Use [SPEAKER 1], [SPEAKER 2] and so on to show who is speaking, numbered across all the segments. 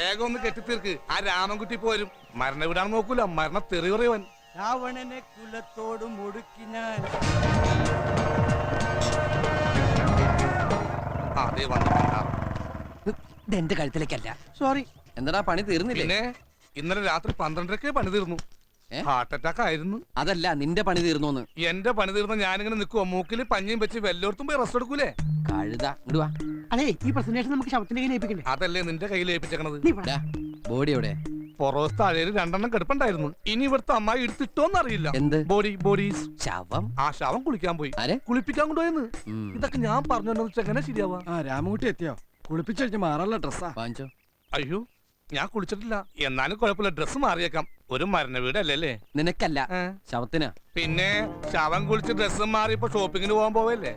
[SPEAKER 1] വേഗം ഒന്ന് കെട്ടിത്തീർക്ക്. ആ രാമൻകുട്ടി പോരും. മരണ വിടാൻ നോക്കൂല, മരണ തെറി പറയുവൻ.
[SPEAKER 2] രാവണനെ കുലത്തോട് മുടുക്കി ഞാൻ.
[SPEAKER 1] അതേ വന്നു.
[SPEAKER 3] എന്റെ കഴുത്തിലേക്കല്ല.
[SPEAKER 2] സോറി.
[SPEAKER 3] എന്താ പണി തീർന്നില്ലേ?
[SPEAKER 1] പിന്നെ ഇന്നലെ രാത്രി 12:30 പണി തീർന്നു. ഹാർട്ട് അറ്റാക്ക് ആയിരുന്നു.
[SPEAKER 3] അതല്ല, നിന്റെ പണി തീർന്നു.
[SPEAKER 1] എന്റെ പണി തീർന്ന ഞാനിങ്ങനെ നിൽക്കുവോ? മൂക്കിൽ പഞ്ഞിയും വെച്ച് വല്ലോടത്തും പോയി റെസ്റ്റ് എടുക്കൂലേ?
[SPEAKER 3] കഴുത ഇടുവാ.
[SPEAKER 2] അതെ, ഈ പ്രസന്റേഷൻ നമുക്ക് ശവത്തിന്റെ കയ്യിൽ ഏൽപ്പിക്കണ്ടേ?
[SPEAKER 1] അതല്ലേ നിന്റെ കയ്യിൽ ഏൽപ്പിച്ചേക്കണത്.
[SPEAKER 3] ബോഡി എവിടെ?
[SPEAKER 1] പുറവസ്ഥ അഴയിൽ 2 കിടപ്പുണ്ടായിരുന്നു. ഇനി ഇവിടുത്തെ അമ്മായി എടുത്തിട്ടോന്ന് അറിയില്ല.
[SPEAKER 3] എന്ത്
[SPEAKER 1] ബോഡീസ്?
[SPEAKER 3] ശവം.
[SPEAKER 1] ആ ശവം കുളിക്കാൻ പോയി. കുളിപ്പിക്കാൻ കൊണ്ടുപോയെന്ന്. ഇതൊക്കെ ഞാൻ പറഞ്ഞു എങ്ങനെ ശരിയാവാ?
[SPEAKER 2] രാമകുട്ടി എത്തിയോ? കുളിപ്പിച്ചു മാറാനുള്ള ഡ്രസ്സാ
[SPEAKER 3] വാങ്ങിച്ചോ.
[SPEAKER 1] അയ്യോ, ഞാൻ കുളിച്ചിട്ടില്ല. എന്നാലും കുഴപ്പമില്ല, ഡ്രസ്സ് മാറിയേക്കാം. ഒരു മരണ വീടല്ലേ?
[SPEAKER 3] നിനക്കല്ല, ശവത്തിനാ.
[SPEAKER 1] പിന്നെ ശവം കുളിച്ച് ഡ്രസ്സ് മാറിയപ്പോ ഷോപ്പിങ്ങിന് പോകാൻ പോവല്ലേ?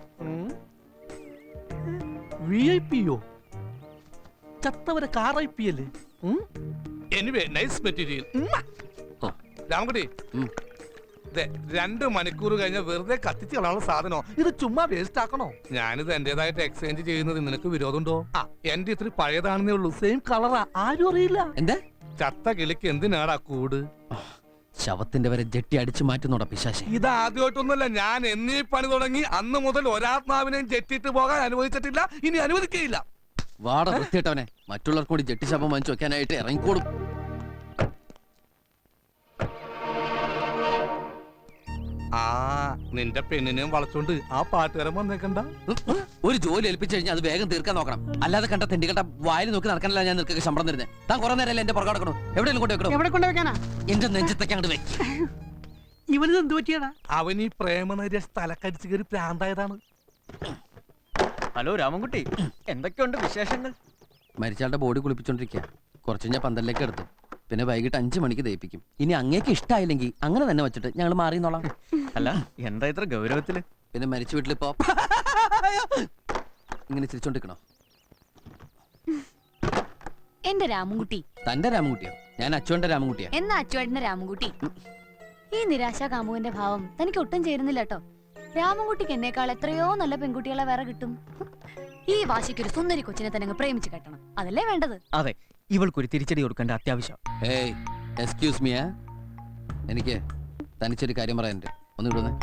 [SPEAKER 1] VIP-യോ? ചത്തവരെ കാർ-IP അല്ലേ? Anyway, nice material. രാമകുട്ടി, 2 മണിക്കൂർ കഴിഞ്ഞ വെറുതെ കത്തിച്ച് കളയാനുള്ള സാധനോ? ഇത് ചുമ്മാ വേസ്റ്റ് ആക്കണോ? ഞാനിത് എന്റേതായിട്ട് എക്സ്ചേഞ്ച് ചെയ്യുന്നത് നിനക്ക് വിരോധമുണ്ടോ? എന്റെ ഇത്തിരി പഴയതാണെന്നേ ഉള്ളൂ. സെയിം കളറാ, ആരും അറിയില്ല.
[SPEAKER 3] എന്താ
[SPEAKER 1] ചത്ത കിളിക്ക് എന്തിനാടാ കൂട്?
[SPEAKER 3] ശവത്തിന്റെ വരെ ജെട്ടി അടിച്ചു മാറ്റുന്നോടാ പിശാശേ.
[SPEAKER 1] ഇത് ആദ്യമായിട്ടൊന്നുമല്ല. ഞാൻ എന്നീ പണി തുടങ്ങി അന്ന് മുതൽ ഒരാത്മാവിനെയും ജെട്ടിട്ട് പോകാൻ അനുവദിച്ചിട്ടില്ല, ഇനി അനുവദിക്കുകയില്ല.
[SPEAKER 3] വാട വൃത്തിയിട്ടവനെ. മറ്റുള്ളവർക്ക് കൂടി ജെട്ടി ശവം വാങ്ങിച്ചു വെക്കാനായിട്ട് ഇറങ്ങിക്കോളും.
[SPEAKER 1] നിന്റെ പെണ്ണിനെയും വളച്ചോണ്ട് ആ പാട്ടുകാരൻ വന്നേക്കണ്ട.
[SPEAKER 3] ഒരു ജോലി ഏൽപ്പിച്ചു കഴിഞ്ഞാൽ അത് വേഗം തീർക്കാൻ നോക്കണം. അല്ലാതെ കണ്ട തെണ്ടിക്കട്ട വായിൽ നോക്കി നടക്കാനല്ല ഞാൻ നിനക്ക് ശമ്പളം തരുന്നത്. താൻ കുറെ നേരം എന്റെ പുറകെ നടക്കണോ? എവിടെയെങ്കിലും കൊണ്ടുവെക്കണോ? എന്റെ നെഞ്ചത്തൊക്കെ അങ്ങോട്ട് വെക്കും.
[SPEAKER 2] ഇവനിത് എന്ത് പറ്റിയാടാ?
[SPEAKER 1] അവൻ ഈ പ്രേമനരിയ സ്ഥലക്കടിച്ച് കയറി പ്രാന്തായതാണ്.
[SPEAKER 4] ഹലോ രാമൻകുട്ടി, എന്തൊക്കെയുണ്ട് വിശേഷങ്ങൾ?
[SPEAKER 3] മരിച്ചാളുടെ ബോഡി കുളിപ്പിച്ചോണ്ടിരിക്കുക. കുറച്ച് ഞാൻ പന്തലിലേക്ക് എടുത്തു. പിന്നെ വൈകിട്ട് 5 മണിക്ക് ദയിപ്പിക്കും. ഇനി അങ്ങേക്ക് ഇഷ്ടമായില്ലെങ്കിൽ അങ്ങനെ തന്നെ വെച്ചിട്ട് ഞങ്ങൾ മാറിന്നോളാം.
[SPEAKER 4] അല്ല, എന്താ ഇത്ര ഗൗരവത്തില്?
[SPEAKER 3] പിന്നെ മരിച്ച വീട്ടിലിപ്പോ ഇങ്ങനെ ചിരിച്ചോണ്ടിരിക്കണോ?
[SPEAKER 5] എന്റെ രാമൻകുട്ടി.
[SPEAKER 3] തന്റെ രാമൻകുട്ടിയോ? ഞാൻ അച്ചുവന്റെ രാമൻകുട്ടിയാ.
[SPEAKER 5] എന്നാ അച്ചുവേട്ടന്റെ രാമൻകുട്ടി. ഈ നിരാശാ കാമുകന്റെ ഭാവം തനിക്ക് ഒട്ടും ചേരുന്നില്ല കേട്ടോ. രാമൻകുട്ടിക്ക് എന്നേക്കാൾ എത്രയോ നല്ല പെൺകുട്ടികളെ വേറെ കിട്ടും. ഈ വാശിക്കൊരു സുന്ദരി കൊച്ചിനെ തന്നെ പ്രേമിച്ച് കെട്ടണം, അതല്ലേ വേണ്ടത്?
[SPEAKER 4] അതെ, ഇവൾക്കൊരു തിരിച്ചടി കൊടുക്കേണ്ട അത്യാവശ്യം.
[SPEAKER 3] എക്സ്ക്യൂസ് മീ, എനിക്ക് തനിച്ചൊരു കാര്യം പറയാനുണ്ട്. ഒന്ന് വിടുന്നേ.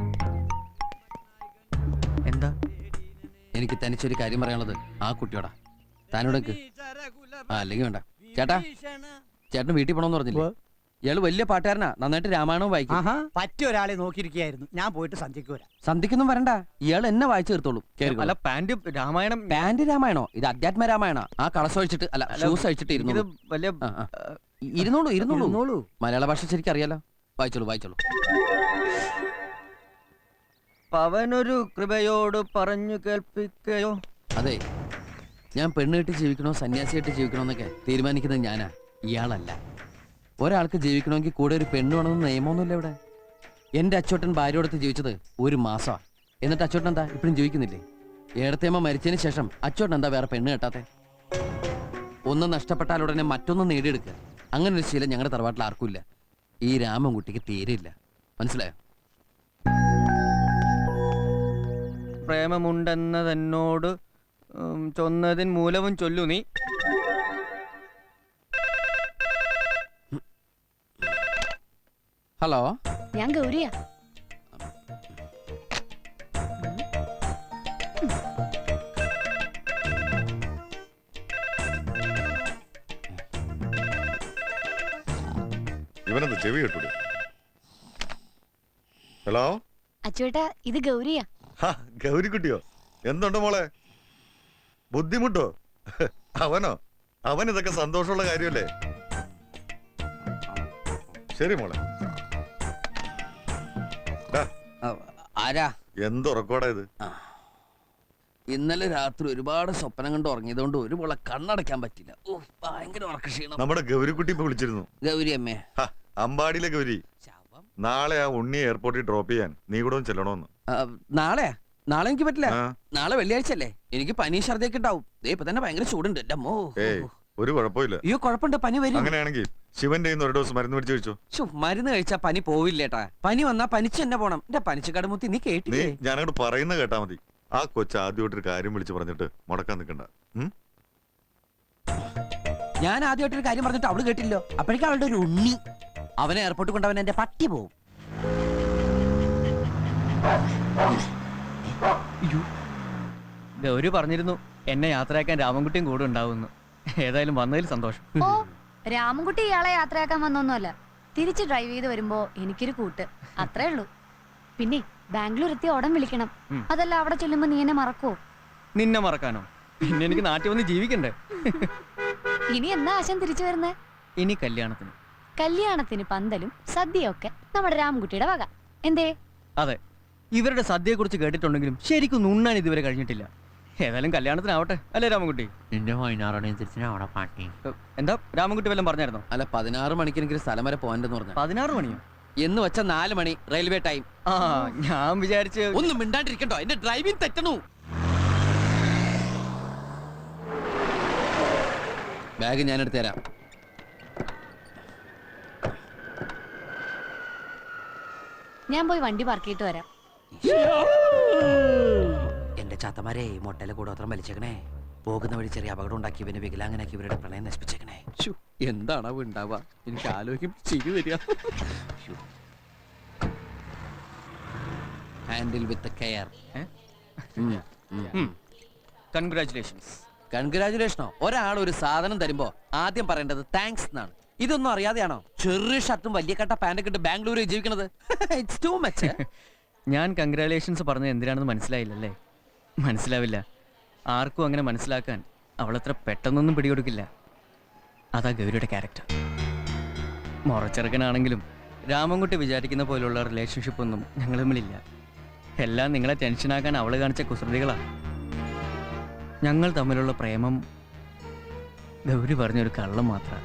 [SPEAKER 4] എന്താ?
[SPEAKER 3] എനിക്ക് തനിച്ചൊരു കാര്യം പറയാനുള്ളത് ആ കുട്ടിയോടാ. താനോടക്ക് അല്ലെങ്കിൽ വേണ്ട. ചേട്ടാ, ചേട്ടന് വീട്ടിൽ പോണോന്ന് പറഞ്ഞില്ലേ? ഇയാള് വലിയ പാട്ടുകാരനാ, നന്നായിട്ട് രാമായണവും വായിക്കും.
[SPEAKER 2] പറ്റിയ ഒരാളെ നോക്കിയിരിക്കുകയായിരുന്നു. ഞാൻ പോയിട്ട് സന്ധ്യക്ക് വരാം.
[SPEAKER 3] സന്ധ്യക്കൊന്നും വരണ്ട, ഇയാൾ എന്നെ വായിച്ചു തീർത്തോളൂ.
[SPEAKER 4] അല്ല, പാന്റ് രാമായണം.
[SPEAKER 3] പാന്റ് രാമായണോ? ഇത് അധ്യാത്മ രാമായണ. ആ കളസം അഴിച്ചിട്ട് അല്ല, ഷൂസ് അഴിച്ചിട്ട് ഇരുന്നോളൂ. മലയാള ഭാഷ ശരിക്കും അറിയാലോ. വായിച്ചോളൂ.
[SPEAKER 4] പവനൊരു കൃപയോട് പറഞ്ഞു കേൾപ്പിക്കയോ?
[SPEAKER 3] അതെ, ഞാൻ പെണ്ണ് കെട്ടി ജീവിക്കണോ സന്യാസിയായിട്ട് ജീവിക്കണോ എന്നൊക്കെ തീരുമാനിക്കുന്നത് ഞാനാ, ഇയാളല്ല. ഒരാൾക്ക് ജീവിക്കണമെങ്കിൽ കൂടെ ഒരു പെണ്ണ് വേണമെന്ന് നിയമമൊന്നുമില്ല ഇവിടെ. എന്റെ അച്ചോട്ടൻ ഭാര്യയോടത്ത് ജീവിച്ചത് 1 മാസമാണ്. എന്നിട്ട് അച്ചോട്ടൻ എന്താ ഇപ്പോഴും ജീവിക്കുന്നില്ലേ? ഏടത്തേമ്മ മരിച്ചതിന് ശേഷം അച്ചോട്ടൻ എന്താ വേറെ പെണ്ണ് കെട്ടാത്തെ? ഒന്ന് നഷ്ടപ്പെട്ടാൽ ഉടനെ മറ്റൊന്ന് നേടിയെടുക്കുക. അങ്ങനെ ഒരു ശീലം ഞങ്ങളുടെ തറവാട്ടിൽ ആർക്കും ഇല്ല. ഈ രാമൻകുട്ടിക്ക് തീരെയില്ല. മനസ്സിലായോ?
[SPEAKER 4] പ്രേമമുണ്ടെന്നതെന്നോട് ചൊന്നതിൻ മൂലവും ചൊല്ലു നീ.
[SPEAKER 3] ഹലോ,
[SPEAKER 5] ഞാൻ ഗൗരിയാ.
[SPEAKER 6] ഇവനെന്ത് ചെവി കേട്ടൂടെ? ഹലോ
[SPEAKER 5] അച്ചുവേട്ടാ, ഇത് ഗൗരിയാ.
[SPEAKER 6] ഗൗരിക്കുട്ടിയോ? എന്തുണ്ട് മോളെ? ബുദ്ധിമുട്ടോ? അവൻ ഇതൊക്കെ സന്തോഷമുള്ള കാര്യമല്ലേ? ശരി മോളെ.
[SPEAKER 3] ആരാ?
[SPEAKER 6] എന്തുറക്കോടാ ഇത്?
[SPEAKER 3] ഇന്നലെ രാത്രി ഒരുപാട് സ്വപ്നം കണ്ട് ഉറങ്ങിയതുകൊണ്ട് ഒരു പോളെ കണ്ണടയ്ക്കാൻ പറ്റില്ല. ഭയങ്കര ഉറക്കക്ഷീണം.
[SPEAKER 6] നമ്മുടെ ഗൗരിക്കുട്ടി ഇപ്പൊ വിളിച്ചിരുന്നു.
[SPEAKER 3] ഗൗരി അമ്മേ?
[SPEAKER 6] അമ്പാടിയിലെ ഗൗരി. നാളെ ആ ഉണ്ണിയെ എയർപോർട്ടിൽ ഡ്രോപ്പ് ചെയ്യാൻ നീ കൂടെ ചെല്ലണോന്ന്.
[SPEAKER 3] നാളെ എനിക്ക് പറ്റില്ല. നാളെ വെള്ളിയാഴ്ച അല്ലേ? എനിക്ക് പനി ഛർദിയൊക്കെ ഉണ്ടാവും. ഇപ്പൊ തന്നെ ഭയങ്കര ചൂടുണ്ട്.
[SPEAKER 6] ഒരു കുഴപ്പമില്ല.
[SPEAKER 3] അയ്യോ, കുഴപ്പമുണ്ട്. പനി വരും.
[SPEAKER 6] അങ്ങനെയാണെങ്കിൽ ശിവന്റെ ഒരു ഡോസ് മരുന്ന് മേടിച്ചു കഴിച്ചോ.
[SPEAKER 3] മരുന്ന് കഴിച്ചാ പനി പോവില്ലേട്ടാ. പനി വന്നാ പനിച്ച് തന്നെ പോണം. എന്റെ പനിച്ച് കടമുത്തി നീ കേട്ടില്ലേ?
[SPEAKER 6] ഞാനങ്ങോട്ട് പറയുന്ന കേട്ടാ മതി. ആ കൊച്ചു ആദ്യമായിട്ടൊരു കാര്യം വിളിച്ചു പറഞ്ഞിട്ട് മുടക്കാൻ നിൽക്കണ്ട.
[SPEAKER 3] ഞാൻ ആദ്യമായിട്ടൊരു കാര്യം പറഞ്ഞിട്ട് അവള് കേട്ടില്ലോ. അപ്പോഴേക്കും അവളുടെ ഒരു ഉണ്ണി. അവനെ എയർപോർട്ടിൽ കൊണ്ടവൻ എന്റെ പട്ടി പോവും.
[SPEAKER 4] ഗൗരി പറഞ്ഞിരുന്നു എന്നെ യാത്രയാക്കാൻ രാമൻകുട്ടിയും കൂടെ ഉണ്ടാവുമെന്ന്. ഏതായാലും വന്നതിൽ സന്തോഷം.
[SPEAKER 5] ഓ രാമൻകുട്ടി ഇയാളെ യാത്രയാക്കാൻ വന്നൊന്നുമല്ല. തിരിച്ച് ഡ്രൈവ് ചെയ്ത് വരുമ്പോ എനിക്കൊരു കൂട്ട്, അത്രേ ഉള്ളൂ. പിന്നെ ബാംഗ്ലൂർ എത്തി ഉടൻ വിളിക്കണം. അതല്ല അവിടെ ചെല്ലുമ്പോ നീ എന്നെ മറക്കോ?
[SPEAKER 4] നിന്നെ മറക്കാനോ? പിന്നെ എനിക്ക് നാട്ടിൽ വന്ന് ജീവിക്കണ്ടേ?
[SPEAKER 5] ഇനി എന്നാ ആശം തിരിച്ചു വരുന്നേ?
[SPEAKER 4] ഇനി കല്യാണത്തിന്.
[SPEAKER 5] കല്യാണത്തിന് പന്തലും സദ്യയൊക്കെ നമ്മുടെ രാമൻകുട്ടിയുടെ വക. എന്തേ?
[SPEAKER 4] അതെ, ഇവരുടെ സദ്യയെ കുറിച്ച് കേട്ടിട്ടുണ്ടെങ്കിലും ശരിക്കും ഉണ്ണാൻ ഇതുവരെ കഴിഞ്ഞിട്ടില്ല. ഏതായാലും കല്യാണത്തിനാവട്ടെ അല്ലേ രാമൻകുട്ടി?
[SPEAKER 3] നിന്റെ 16 അവിടെ പാട്ടി.
[SPEAKER 4] എന്താ രാമൻകുട്ടി വല്ലതും പറഞ്ഞായിരുന്നോ?
[SPEAKER 3] അല്ല 16 മണിക്ക് എനിക്ക് സ്ഥലം വരെ പോകാനെന്ന് പറഞ്ഞു.
[SPEAKER 4] 16 മണിയോ?
[SPEAKER 3] എന്ന് വെച്ച 4 മണി റെയിൽവേ ടൈം.
[SPEAKER 4] ആ ഞാൻ വിചാരിച്ച്
[SPEAKER 3] ഒന്നും മിണ്ടാണ്ടിരിക്കണ്ടോ? എന്റെ ഡ്രൈവിംഗ് തെറ്റണു. ബാഗ് ഞാൻ എടുത്തു തരാം.
[SPEAKER 5] ഞാൻ പോയി വണ്ടി പാർക്ക് ചെയ്തിട്ട് വരാം.
[SPEAKER 3] എന്റെ ചാത്തമാരെ മൊട്ടയിലെ കൂടോത്രം വലിച്ചേക്കണേ. പോകുന്ന വഴി ചെറിയ അപകടം ഉണ്ടാക്കി ഇവനെ വികലാങ്ങനാക്കി ഇവരുടെ പ്രണയം നശിപ്പിച്ചേക്കണേ. എന്താണാവോ ഉണ്ടാവുക? എനിക്ക് ആലോചിക്കും ചിരി വരിക. Handle with care.
[SPEAKER 4] കൺഗ്രാറ്റുലേഷൻസ്.
[SPEAKER 3] കൺഗ്രാറ്റുലേഷനോ? ഒരാൾ ഒരു സാധനം തരുമ്പോ ആദ്യം പറയേണ്ടത് താങ്ക്സ് എന്നാണ്. ഇതൊന്നും അറിയാതെയാണോ ചെറിയ ഷർട്ടും വലിയ കട്ട പാൻറ്റൊക്കെ ഇട്ട് ബാംഗ്ലൂരിൽ ജീവിക്കണത്? It's too much.
[SPEAKER 4] ഞാൻ കൺഗ്രാറ്റുലേഷൻസ് പറഞ്ഞത് എന്തിനാണെന്ന് മനസ്സിലായില്ലല്ലേ? മനസ്സിലാവില്ല. ആർക്കും അങ്ങനെ മനസ്സിലാക്കാൻ അവളത്ര പെട്ടെന്നൊന്നും പിടികൊടുക്കില്ല. അതാ ഗൗരിയുടെ ക്യാരക്ടർ. മുറച്ചെറുക്കനാണെങ്കിലും രാമൻകുട്ടി വിചാരിക്കുന്ന പോലുള്ള റിലേഷൻഷിപ്പ് ഒന്നും ഞങ്ങൾ തമ്മിലില്ല. എല്ലാം നിങ്ങളെ ടെൻഷനാക്കാൻ അവൾ കാണിച്ച കുസൃതികളാണ്. ഞങ്ങൾ തമ്മിലുള്ള പ്രേമം ഗൗരി പറഞ്ഞൊരു കള്ളം മാത്രമാണ്.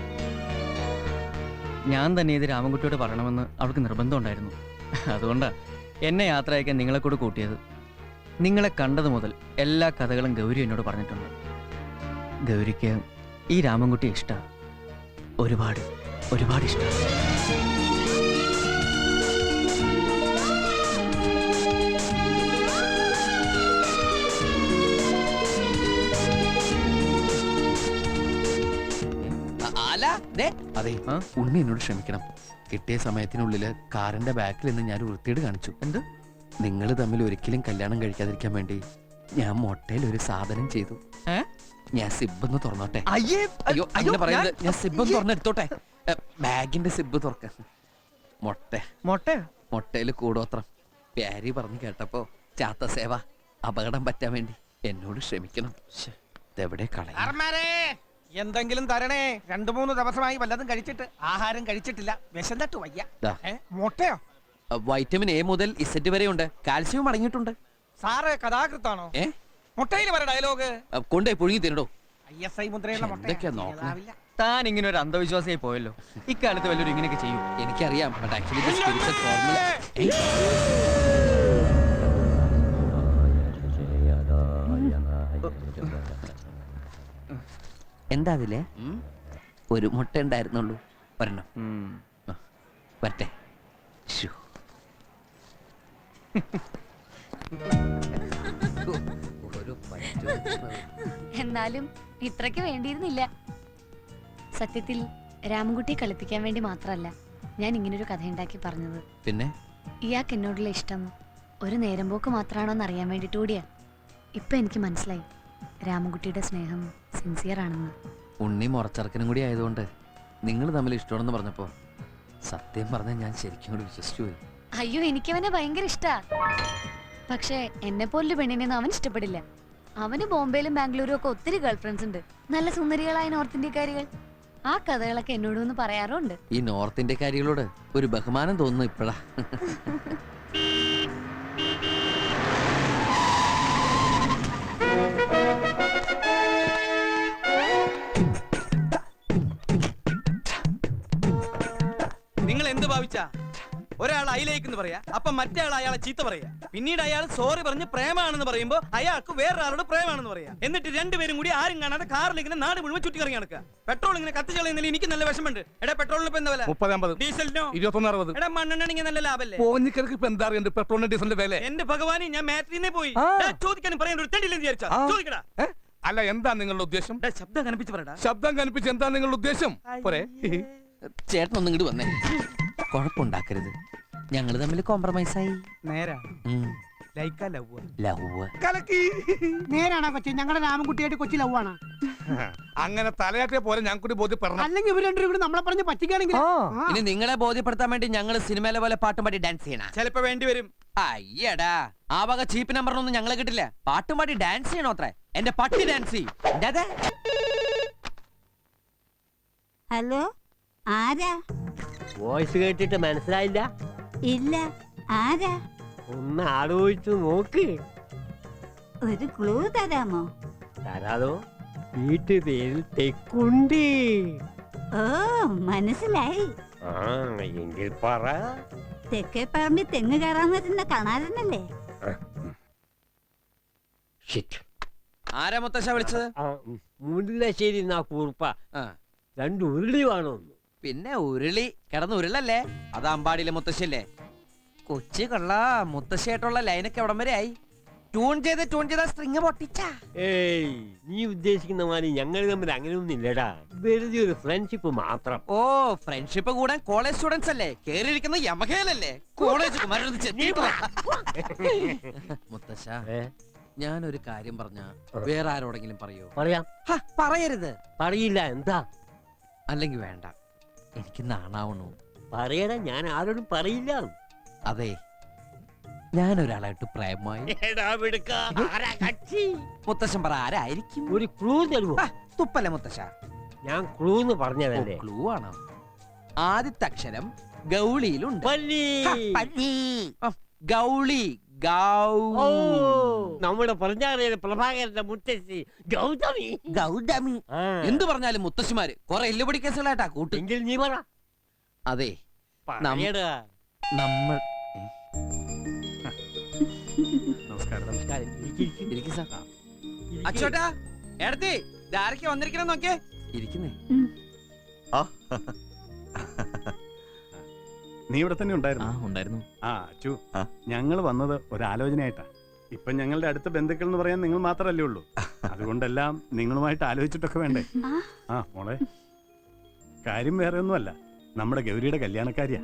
[SPEAKER 4] ഞാൻ തന്നെ ഇത് രാമൻകുട്ടിയോട് പറയണമെന്ന് അവൾക്ക് നിർബന്ധമുണ്ടായിരുന്നു. അതുകൊണ്ടാണ് എന്നെ യാത്ര അയക്കാൻ നിങ്ങളെ കൂടെ കൂട്ടിയത്. നിങ്ങളെ കണ്ടത് മുതൽ എല്ലാ കഥകളും ഗൗരി എന്നോട് പറഞ്ഞിട്ടുണ്ട്. ഗൗരിക്ക് ഈ രാമൻകുട്ടിയെ ഇഷ്ടമാണ്. ഒരുപാട് ഒരുപാട് ഇഷ്ടം.
[SPEAKER 3] അതെ, ഉണ്ണി എന്നോട് ക്ഷമിക്കണം. കിട്ടിയ സമയത്തിനുള്ളില് കാറിന്റെ ബാക്കിൽ നിന്ന് ഞാൻ വൃത്തിയോട് കാണിച്ചു.
[SPEAKER 4] എന്ത്?
[SPEAKER 3] നിങ്ങൾ തമ്മിൽ ഒരിക്കലും കല്യാണം കഴിക്കാതിരിക്കാൻ വേണ്ടി ഞാൻ മൊട്ടയിൽ ഒരു സാധനം ചെയ്തു. ഞാൻ സിബ് തുറന്നോട്ടെ? അയ്യോ അങ്ങനെ പറയുന്നത്. ഞാൻ സിബ് തുറന്നെടുത്തോട്ടെ? ബാഗിന്റെ സിബ് തുറക്ക. മൊട്ടയില് കൂടോത്രം. പ്യാരി പറഞ്ഞു കേട്ടപ്പോ ചാത്ത സേവ അപകടം പറ്റാൻ വേണ്ടി എന്നോട് ക്ഷമിക്കണം. ഇതെവിടെ കളയാ?
[SPEAKER 2] എന്തെങ്കിലും തരണേ. 2-3 ദിവസമായി വല്ലതും കഴിച്ചിട്ട്. ആഹാരം കഴിച്ചിട്ടില്ല, വിശന്നിട്ട് വയ്യ. മുട്ടയോ?
[SPEAKER 3] വൈറ്റമിൻ എ മുതൽ ഇസെറ്റ് വരെ ഉണ്ട്. കാൽസ്യവും അടങ്ങിയിട്ടുണ്ട്.
[SPEAKER 2] സാറ് കഥാകൃത്താണോ? മുട്ടയിൽ വരെ ഡയലോഗ്
[SPEAKER 3] കൊണ്ടേ പുഴുങ്ങി തിരടോ.
[SPEAKER 2] ISI മുദ്രയുള്ള
[SPEAKER 3] എന്തൊക്കെയാ നോക്കണം?
[SPEAKER 4] താൻ ഇങ്ങനെ ഒരു അന്ധവിശ്വാസിയായി പോയല്ലോ. ഇക്കാലത്ത് വല്ലവരും ഇങ്ങനെയൊക്കെ ചെയ്യും?
[SPEAKER 3] എനിക്കറിയാം. But actually this spiritual formula. എന്താ അതില്ലേ? ഒരു മുട്ട ഉണ്ടായിരുന്നുള്ളൂ. ഒരെണ്ണം വരട്ടെ.
[SPEAKER 5] എന്നാലും ഇത്രയ്ക്ക് വേണ്ടിയിരുന്നില്ല. സത്യത്തിൽ രാമൻകുട്ടിയെ കളിപ്പിക്കാൻ വേണ്ടി മാത്രമല്ല ഞാൻ ഇങ്ങനൊരു കഥ ഉണ്ടാക്കി പറഞ്ഞത്.
[SPEAKER 3] പിന്നെ
[SPEAKER 5] ഇയാൾക്ക് എന്നോടുള്ള ഇഷ്ടം ഒരു നേരം പോക്ക് മാത്രമാണോന്ന് അറിയാൻ വേണ്ടിട്ട് കൂടിയാ. ഇപ്പൊ എനിക്ക് മനസ്സിലായി രാമൻകുട്ടിയുടെ സ്നേഹം സിൻസിയർ ആണെന്ന്.
[SPEAKER 3] ഉണ്ണി മുറച്ചെറുക്കനും കൂടി ആയതുകൊണ്ട് നിങ്ങൾ തമ്മിൽ ഇഷ്ടമാണെന്ന് പറഞ്ഞപ്പോ സത്യം പറഞ്ഞാൽ ഞാൻ ശരിക്കും കൂടി വിശ്വസിച്ചു പോയി.
[SPEAKER 5] അയ്യോ എനിക്കവനെ ഭയങ്കര ഇഷ്ടാ. പക്ഷെ എന്നെ പോലൊരു പെണ്ണിനെയൊന്നും അവൻ ഇഷ്ടപ്പെടില്ല. അവന് ബോംബെയിലും ബാംഗ്ലൂരും ഒക്കെ ഒത്തിരി ഗേൾ ഫ്രണ്ട്സ് ഉണ്ട്, നല്ല സുന്ദരികളായ നോർത്ത് ഇന്ത്യക്കാരികൾ. ആ കഥകളൊക്കെ എന്നോടൊന്ന് പറയാറുണ്ട്.
[SPEAKER 3] ഈ നോർത്ത് ഇന്ത്യക്കാരികളോട് ഒരു ബഹുമാനം തോന്നുന്നു ഇപ്പഴാ.
[SPEAKER 7] നിങ്ങൾ എന്ത് ഭാവിച്ചാ? ഒരാൾ അയിലേക്ക് പറയാ, അപ്പൊ മറ്റേ ആൾ അയാളെ ചീത്ത പറയാ, പിന്നീട് അയാൾ സോറി പറഞ്ഞ് പ്രേമാണെന്ന് പറയുമ്പോ അയാൾക്ക് വേറൊരാളോട് പ്രേമാണെന്ന് പറയാ. എന്നിട്ട് രണ്ടുപേരും കൂടി ആരും കാണാതെ കാറിൽ ഇങ്ങനെ നാട് മുഴുവൻ ചുറ്റി കറങ്ങി നടക്കുക. പെട്രോൾ ഇങ്ങനെ കത്തിച്ച് കളയുന്നില്ല. എനിക്ക് നല്ല വിഷമുണ്ട്. എടാ പെട്രോളിന് ഇപ്പൊ എന്താ വില?
[SPEAKER 1] 30-50.
[SPEAKER 7] ഡീസലിനോ?
[SPEAKER 1] 21-60.
[SPEAKER 7] എടാ മണ്ണെണ്ണ നല്ല ലാഭല്ലേ?
[SPEAKER 1] പോഞ്ഞിക്കർക്ക് ഇപ്പൊ എന്താ അറിയണ്ട് പെട്രോളിന്റെ ഡീസലിന്റെ വില?
[SPEAKER 7] എന്റെ ഭഗവാനെ, ഞാൻ മാറ്റിനെ പോയി ചോദിക്കാനും പറയാൻ ഒരു തെണ്ടില്ലെന്ന് വിചാരിച്ചാ ചോദിക്കടാ.
[SPEAKER 1] അല്ല എന്താ നിങ്ങളുടെ ഉദ്ദേശം?
[SPEAKER 7] ഡാ, ശബ്ദം കനപ്പിച്ച് പറയടാ.
[SPEAKER 1] ശബ്ദം കനിപ്പിച്ച് എന്താ നിങ്ങളുടെ ഉദ്ദേശം? പോരെ
[SPEAKER 3] ചേട്ടൻ ഒന്നും ഇങ്ങോട്ട് വന്നേ. കുഴപ്പമുണ്ടാക്കരുത്. ഞങ്ങള് തമ്മിൽ കോംപ്രമൈസായി.
[SPEAKER 7] നേരാ ലൈക്കാ ലവ്
[SPEAKER 3] ലവ്.
[SPEAKER 1] കലക്കി.
[SPEAKER 2] നേരാണോ കൊച്ചി? ഞങ്ങളുടെ രാമൻകുട്ടിയായിട്ട് കൊച്ചി ലവാണ്.
[SPEAKER 1] അങ്ങനെ തലയാട്ടിയ പോലെ ഞാൻ കൂടി ബോധ്യപ്പെടണം.
[SPEAKER 2] അല്ലെങ്കിൽ ഇവർ രണ്ടുപേരും കൂടി നമ്മളെ പറഞ്ഞ് പറ്റിക്കുകയാണെങ്കിൽ
[SPEAKER 3] ഇനി നിങ്ങളെ ബോധ്യപ്പെടുത്താൻ വേണ്ടി ഞങ്ങള് സിനിമയിലെ പോലെ പാട്ടും പാടി ഡാൻസ് ചെയ്യണം.
[SPEAKER 7] ചിലപ്പോ വേണ്ടി വരും.
[SPEAKER 3] അയ്യടാ, ആ വക ചീപ്പ് നമ്പറിനൊന്നും ഞങ്ങളെ കിട്ടില്ല. പാട്ടും പാടി ഡാൻസ് ചെയ്യണോ അത്രേ? എന്റെ പട്ടി ഡാൻസ് ചെയ്യും.
[SPEAKER 8] ഹലോ, ആരാ?
[SPEAKER 9] വോയിസ് കേട്ടിട്ട് മനസ്സിലായില്ല?
[SPEAKER 8] ഇല്ല, ആരാ?
[SPEAKER 9] ഒന്ന് ആലോചിച്ചു നോക്ക്.
[SPEAKER 8] ഒരു ക്ലൂ തരാമോ?
[SPEAKER 9] തരാതോ? വീട്ടുപേരിൽ തെക്കുണ്ട്.
[SPEAKER 8] ഓ, മനസ്സിലായി.
[SPEAKER 9] ആ, എങ്കിൽ പറ.
[SPEAKER 8] തെക്കേ പറമ്പിൽ തെങ്ങ് കയറാൻ വരുന്ന കാണാറുന്നല്ലേ?
[SPEAKER 3] ആരാ മുത്തശ്ശ വിളിച്ചത്?
[SPEAKER 9] മുല്ലശ്ശേരി എന്നാ കൂർപ്പ.
[SPEAKER 3] ആ,
[SPEAKER 9] 2 ഉരുളി വേണോ?
[SPEAKER 3] പിന്നെ ഉരുളി കിടന്ന് ഉരുളല്ലേ? അത് അമ്പാടിയിലെ മുത്തശ്ശിയല്ലേ? കൊച്ചി കൊള്ള. മുത്തശ്ശിയായിട്ടുള്ള ലൈനൊക്കെ എവിടം വരെ ആയി? ട്യൂൺ ചെയ്ത സ്ട്രിങ് പൊട്ടിച്ച.
[SPEAKER 9] ഏയ്, നീ ഉദ്ദേശിക്കുന്ന മാതിരി ഞങ്ങൾ തമ്മിൽ അങ്ങനെയൊന്നും ഇല്ലടാ. വെറുതെ ഒരു ഫ്രണ്ട്ഷിപ്പ് മാത്രം.
[SPEAKER 3] ഓ, ഫ്രണ്ട്ഷിപ്പ് കൂടാൻ കോളേജ് സ്റ്റുഡൻസ് അല്ലേ? കേറിയിരിക്കുന്ന യമഹേലല്ലേ? കോളേജ് മുത്തശ്ശ, ഞാനൊരു കാര്യം പറഞ്ഞ വേറെ ആരോടെങ്കിലും പറയോ?
[SPEAKER 9] പറയാം.
[SPEAKER 3] പറയരുത്.
[SPEAKER 9] പറയില്ല. എന്താ?
[SPEAKER 3] അല്ലെങ്കിൽ വേണ്ട, എനിക്ക് നാണാവണു.
[SPEAKER 9] പറയടാ, ഞാൻ ആരോടും പറയില്ല.
[SPEAKER 3] അതെ, ഞാനൊരാളായിട്ട് പ്രേമമായി. മുത്തശ്ശൻ പറ, ആരായിരിക്കും?
[SPEAKER 9] ഒരു ക്ലൂ തരുമോ?
[SPEAKER 3] തുപ്പല്ലേ മുത്തശ്ശ?
[SPEAKER 9] ഞാൻ ക്ലൂ എന്ന് പറഞ്ഞതല്ലേ?
[SPEAKER 3] ക്ലൂ ആണ്. ആദ്യത്തെ അക്ഷരം ഗൗളിയിലുണ്ട്.
[SPEAKER 9] പല്ലി.
[SPEAKER 3] ഗൗളി.
[SPEAKER 9] ഓ, നമ്മുടെ പറഞ്ഞാറിയ പ്രഭാകരന്റെ മുത്തശ്ശി ഗൗതമി.
[SPEAKER 3] ഗൗതമി. എന്ത് പറഞ്ഞാലും മുത്തശ്ശിമാര് കുറെ എല്ലുപൊടി കേസുകളായിട്ടാ കൂട്ട്.
[SPEAKER 9] എങ്കിൽ നീ പറ.
[SPEAKER 3] അതെ,
[SPEAKER 9] പറയടാ.
[SPEAKER 3] നമ്മൾ
[SPEAKER 9] നമസ്കാരം.
[SPEAKER 3] ഇരിക്ക് സാർ. അച്ചോട്ടാ, എടത്തി ധാരക്ക് വന്നിരിക്കണം നോക്കേ. ഇരിക്കുന്നേ.
[SPEAKER 10] നീ ഇവിടെ തന്നെ ഉണ്ടായിരുന്നു?
[SPEAKER 4] ഉണ്ടായിരുന്നു.
[SPEAKER 10] ആ അച്ചു, ഞങ്ങൾ വന്നത് ഒരാലോചനയായിട്ടാ. ഇപ്പൊ ഞങ്ങളുടെ അടുത്ത ബന്ധുക്കൾ എന്ന് പറയാൻ നിങ്ങൾ മാത്രല്ലേ ഉള്ളൂ. അതുകൊണ്ടെല്ലാം നിങ്ങളുമായിട്ട് ആലോചിച്ചിട്ടൊക്കെ വേണ്ടേ? ആ മോളെ, കാര്യം വേറെ ഒന്നുമല്ല, നമ്മുടെ ഗൗരിയുടെ കല്യാണക്കാരിയാ.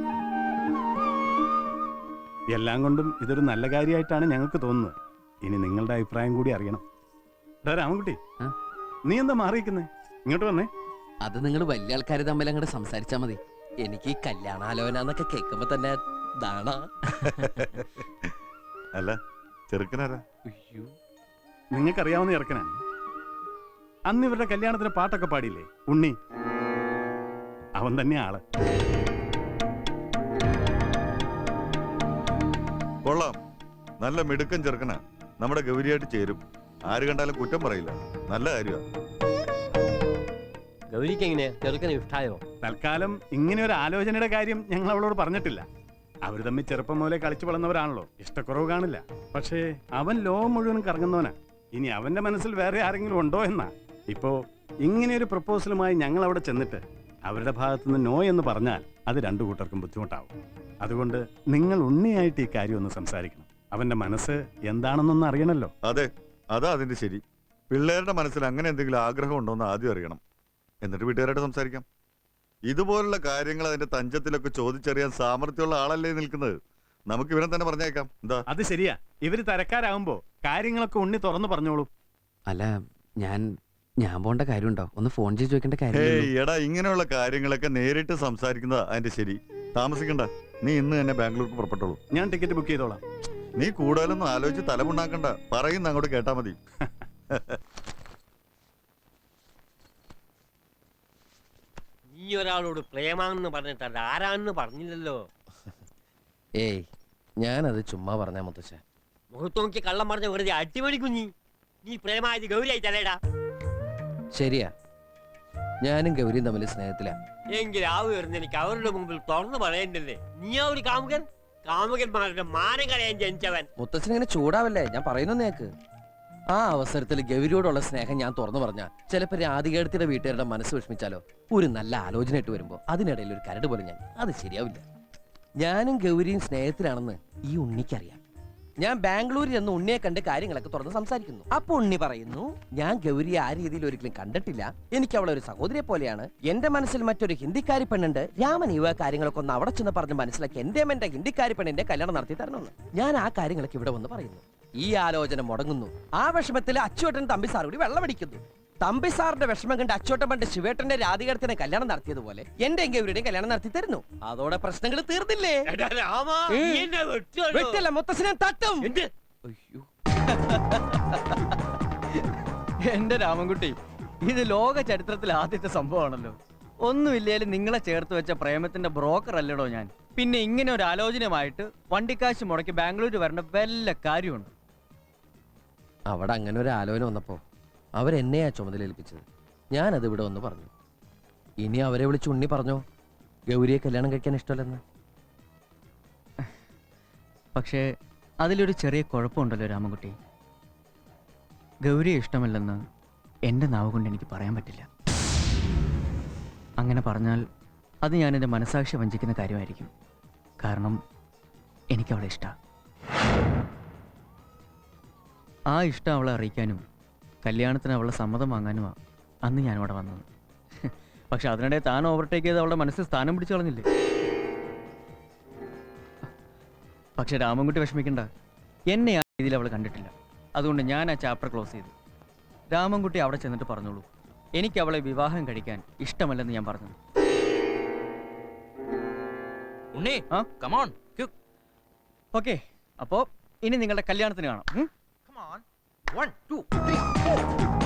[SPEAKER 10] എല്ലാം കൊണ്ടും ഇതൊരു നല്ല കാര്യമായിട്ടാണ് ഞങ്ങൾക്ക് തോന്നുന്നത്. ഇനി നിങ്ങളുടെ അഭിപ്രായം കൂടി അറിയണം. രാമൻകുട്ടി, നീ എന്താ മാറിയിരിക്കുന്നേ? ഇങ്ങോട്ട് വന്നേ.
[SPEAKER 3] അത് നിങ്ങൾ വലിയ ആൾക്കാർ തമ്മിൽ അങ്ങോട്ട് സംസാരിച്ചാ മതി. എനിക്ക് ഈ കല്യാണാലോചന എന്നൊക്കെ കേൾക്കുമ്പോ തന്നെ ദാണാ.
[SPEAKER 6] അല്ല, ചെറുക്കനാരാ?
[SPEAKER 10] നിങ്ങൾക്കറിയാവുന്ന ചെറുക്കനാണ്. അന്ന് ഇവരുടെ കല്യാണത്തിന് പാട്ടൊക്കെ പാടിയില്ലേ, ഉണ്ണി? അവൻ തന്നെ ആള്.
[SPEAKER 6] കൊള്ളാം, നല്ല മിടുക്കൻ ചെറുക്കനാ. നമ്മുടെ ഗൗരിയായിട്ട് ചേരും. ആര് കണ്ടാലും കുറ്റം പറയില്ല. നല്ല കാര്യമാണ്.
[SPEAKER 9] ഗൗരിക്ക് എങ്ങനെയാ? ചെറുക്കനെ ഇഷ്ടായോ?
[SPEAKER 10] തൽക്കാലം ഇങ്ങനെ ഒരു ആലോചനയുടെ കാര്യം ഞങ്ങൾ അവളോട് പറഞ്ഞിട്ടില്ല. അവർ തമ്മിൽ ചെറുപ്പം മുതലേ കളിച്ചു വളർന്നവരാണല്ലോ. ഇഷ്ടക്കുറവ് കാണില്ല. പക്ഷേ അവൻ ലോകം മുഴുവൻ കറങ്ങുന്നവനാ. ഇനി അവന്റെ മനസ്സിൽ വേറെ ആരെങ്കിലും ഉണ്ടോ എന്നാ. ഇപ്പോ ഇങ്ങനെ ഒരു പ്രപ്പോസലുമായി ഞങ്ങൾ അവിടെ ചെന്നിട്ട് അവരുടെ ഭാഗത്തുനിന്ന് നോ എന്ന് പറഞ്ഞാൽ അത് രണ്ടു കൂട്ടർക്കും ബുദ്ധിമുട്ടാവും. അതുകൊണ്ട് നിങ്ങൾ ഉണ്ണിയായിട്ട് ഈ കാര്യം ഒന്ന് സംസാരിക്കണം. അവന്റെ മനസ്സ് എന്താണെന്നൊന്ന് അറിയണല്ലോ.
[SPEAKER 6] അതെ, അതാ അതിന്റെ ശരി. പിള്ളേരുടെ മനസ്സിൽ അങ്ങനെ എന്തെങ്കിലും ആഗ്രഹം ഉണ്ടോന്ന് ആദ്യം അറിയണം. എന്നിട്ട് വീട്ടുകാരായിട്ട് സംസാരിക്കാം. ഇതുപോലുള്ള കാര്യങ്ങൾ അതിന്റെ തഞ്ചത്തിലൊക്കെ ചോദിച്ചറിയാൻ സാമർത്ഥ്യമുള്ള ആളല്ലേ നിൽക്കുന്നത്. നമുക്ക് ഇവരെ തന്നെ പറഞ്ഞേക്കാം. എന്താ?
[SPEAKER 10] അത് ശരിയാ. ഇവര് തരക്കാരാകുമ്പോ കാര്യങ്ങളൊക്കെ ഉണ്ണി തുറന്നു പറഞ്ഞോളൂ.
[SPEAKER 3] അല്ല, ഞാൻ പോണ്ട കാര്യമുണ്ടോ? ഒന്ന് ഫോൺ ചെയ്ത് ചോദിക്കേണ്ട കാര്യം.
[SPEAKER 6] എടാ, ഇങ്ങനെയുള്ള കാര്യങ്ങളൊക്കെ നേരിട്ട് സംസാരിക്കുന്നതാ അതിന്റെ ശരി. താമസിക്കണ്ട, നീ ഇന്ന് തന്നെ ബാംഗ്ലൂർക്ക് പുറപ്പെട്ടോളൂ.
[SPEAKER 10] ഞാൻ ടിക്കറ്റ് ബുക്ക് ചെയ്തോളാം.
[SPEAKER 6] നീ കൂടുതലൊന്നും ആലോചിച്ച് തലമുണ്ടാക്കണ്ട. പറയുന്ന അങ്ങോട്ട് കേട്ടാ മതി.
[SPEAKER 9] നീ ഒരാളോട് പ്രേമാണെന്ന് പറഞ്ഞിട്ടല്ല, ആരാണെന്ന് പറഞ്ഞില്ലല്ലോ.
[SPEAKER 3] ഏയ്, ഞാനത് ചുമ്മാ പറഞ്ഞ മുത്തശ്ശ.
[SPEAKER 9] മുഖത്ത് നോക്കി കള്ളം പറഞ്ഞ വെറുതെ അടിമണിക്കുഞ്ഞി. നീ പ്രേമായത് ഗൗരിയായി തലേടാ.
[SPEAKER 3] ശരിയാ, ഞാനും ഗൗരിയും തമ്മിൽ സ്നേഹത്തിലാ.
[SPEAKER 9] എങ്കിൽ ആ വരുന്ന എനിക്ക് അവരുടെ മുമ്പിൽ തുറന്നു പറയണ്ടല്ലേ. നീ ആ ഒരു കാമുകൻ? കാമുകന്മാരുടെ മാനം കളയാൻ ജനിച്ചവൻ.
[SPEAKER 3] മുത്തച്ഛൻ ഇങ്ങനെ ചൂടാവല്ലേ, ഞാൻ പറയുന്നു നേക്ക്. ആ അവസരത്തിൽ ഗൗരിയോടുള്ള സ്നേഹം ഞാൻ തുറന്നു പറഞ്ഞാൽ ചിലപ്പോൾ രാധികേടത്തിന്റെ വീട്ടുകാരുടെ മനസ്സ് വിഷമിച്ചാലോ. ഒരു നല്ല ആലോചന ഇട്ട് വരുമ്പോ അതിനിടയിൽ ഒരു കരട് പോലെ അത് ശരിയാവില്ല. ഞാനും ഗൗരിയും സ്നേഹത്തിലാണെന്ന് ഈ ഉണ്ണിക്കറിയാം. ഞാൻ ബാംഗ്ലൂരിൽ നിന്ന് ഉണ്ണിയെ കണ്ട് കാര്യങ്ങളൊക്കെ തുറന്ന് സംസാരിക്കുന്നു. അപ്പൊ ഉണ്ണി പറയുന്നു, ഞാൻ ഗൗരിയെ ആ രീതിയിൽ ഒരിക്കലും കണ്ടിട്ടില്ല, എനിക്ക് അവളെ ഒരു സഹോദരിയെ പോലെയാണ്. എന്റെ മനസ്സിൽ മറ്റൊരു ഹിന്ദിക്കാരി പെണ്ണുണ്ട്, രാമൻ ഇവ കാര്യങ്ങളൊക്കെ ഒന്ന് അവിടെ ചെന്ന് പറഞ്ഞ് മനസ്സിലാക്കി എന്റെ ഹിന്ദിക്കാരി പെണ്ണിന്റെ കല്യാണം നടത്തി തരണമെന്ന്. ഞാൻ ആ കാര്യങ്ങളൊക്കെ ഇവിടെ വന്ന് പറയുന്നു. ഈ ആലോചന മുടങ്ങുന്നു. ആ വിഷമത്തിൽ അച്ചുവേട്ടൻ തമ്പി സാർ കൂടി വെള്ളമടിക്കുന്നു. തമ്പി സാറിന്റെ വിഷമം കണ്ട് അച്ചോട്ടൻ പണ്ട് ശിവേട്ടന്റെ രാധികടത്തിനെ കല്യാണം നടത്തിയതുപോലെ എന്റെ ഗൗരിയുടെയും കല്യാണം നടത്തി തരുന്നു. അതോടെ പ്രശ്നങ്ങൾ തീർന്നില്ലേ? വെട്ടല്ല, മുത്തശ്ശനെ തട്ടും. അയ്യോ,
[SPEAKER 4] എന്റെ രാമൻകുട്ടി, ഇത് ലോക ചരിത്രത്തിൽ ആദ്യത്തെ സംഭവമാണല്ലോ. ഒന്നുമില്ലേലും നിങ്ങളെ ചേർത്ത് വെച്ച പ്രേമത്തിന്റെ ബ്രോക്കർ അല്ലടോ ഞാൻ. പിന്നെ ഇങ്ങനെ ഒരു ആലോചനയുമായിട്ട് വണ്ടിക്കാശ് മുടക്കി ബാംഗ്ലൂർ വരേണ്ട വല്ല കാര്യമുണ്ട്?
[SPEAKER 3] അവിടെ അങ്ങനെ ഒരു ആലോചന വന്നപ്പോ അവരെന്നെയാ ചുമതലയേൽപ്പിച്ചത്. ഞാനത് ഇവിടെ ഒന്ന് പറഞ്ഞു. ഇനി അവരെ വിളിച്ച് ഉണ്ണി പറഞ്ഞോ ഗൗരിയെ കല്യാണം കഴിക്കാൻ ഇഷ്ടമല്ലെന്ന്.
[SPEAKER 4] പക്ഷേ അതിലൊരു ചെറിയ കുഴപ്പമുണ്ടല്ലോ രാമൻകുട്ടി. ഗൗരിയെ ഇഷ്ടമല്ലെന്ന് എൻ്റെ നാവ് കൊണ്ട് എനിക്ക് പറയാൻ പറ്റില്ല. അങ്ങനെ പറഞ്ഞാൽ അത് ഞാൻ എൻ്റെ മനസാക്ഷി വഞ്ചിക്കുന്ന കാര്യമായിരിക്കും. കാരണം എനിക്കവളെ ഇഷ്ടമാണ്. ആ ഇഷ്ടം അവളെ അറിയിക്കാനും കല്യാണത്തിന് അവളുടെ സമ്മതം വാങ്ങാനുമാണ് അന്ന് ഞാനവിടെ വന്നത്. പക്ഷെ അതിനിടെ താൻ ഓവർടേക്ക് ചെയ്ത് അവളുടെ മനസ്സിൽ സ്ഥാനം പിടിച്ചു കളഞ്ഞില്ലേ? പക്ഷെ രാമൻകുട്ടി വിഷമിക്കണ്ട, എന്നെ ആ രീതിയിൽ അവൾ കണ്ടിട്ടില്ല. അതുകൊണ്ട് ഞാൻ ആ ചാപ്റ്റർ ക്ലോസ് ചെയ്തു. രാമൻകുട്ടി അവിടെ ചെന്നിട്ട് പറഞ്ഞോളൂ, എനിക്ക് അവളെ വിവാഹം കഴിക്കാൻ ഇഷ്ടമല്ലെന്ന് ഞാൻ പറഞ്ഞു. ഓക്കെ, അപ്പോ ഇനി നിങ്ങളുടെ കല്യാണത്തിന് കാണാം.
[SPEAKER 2] 1 2 3 4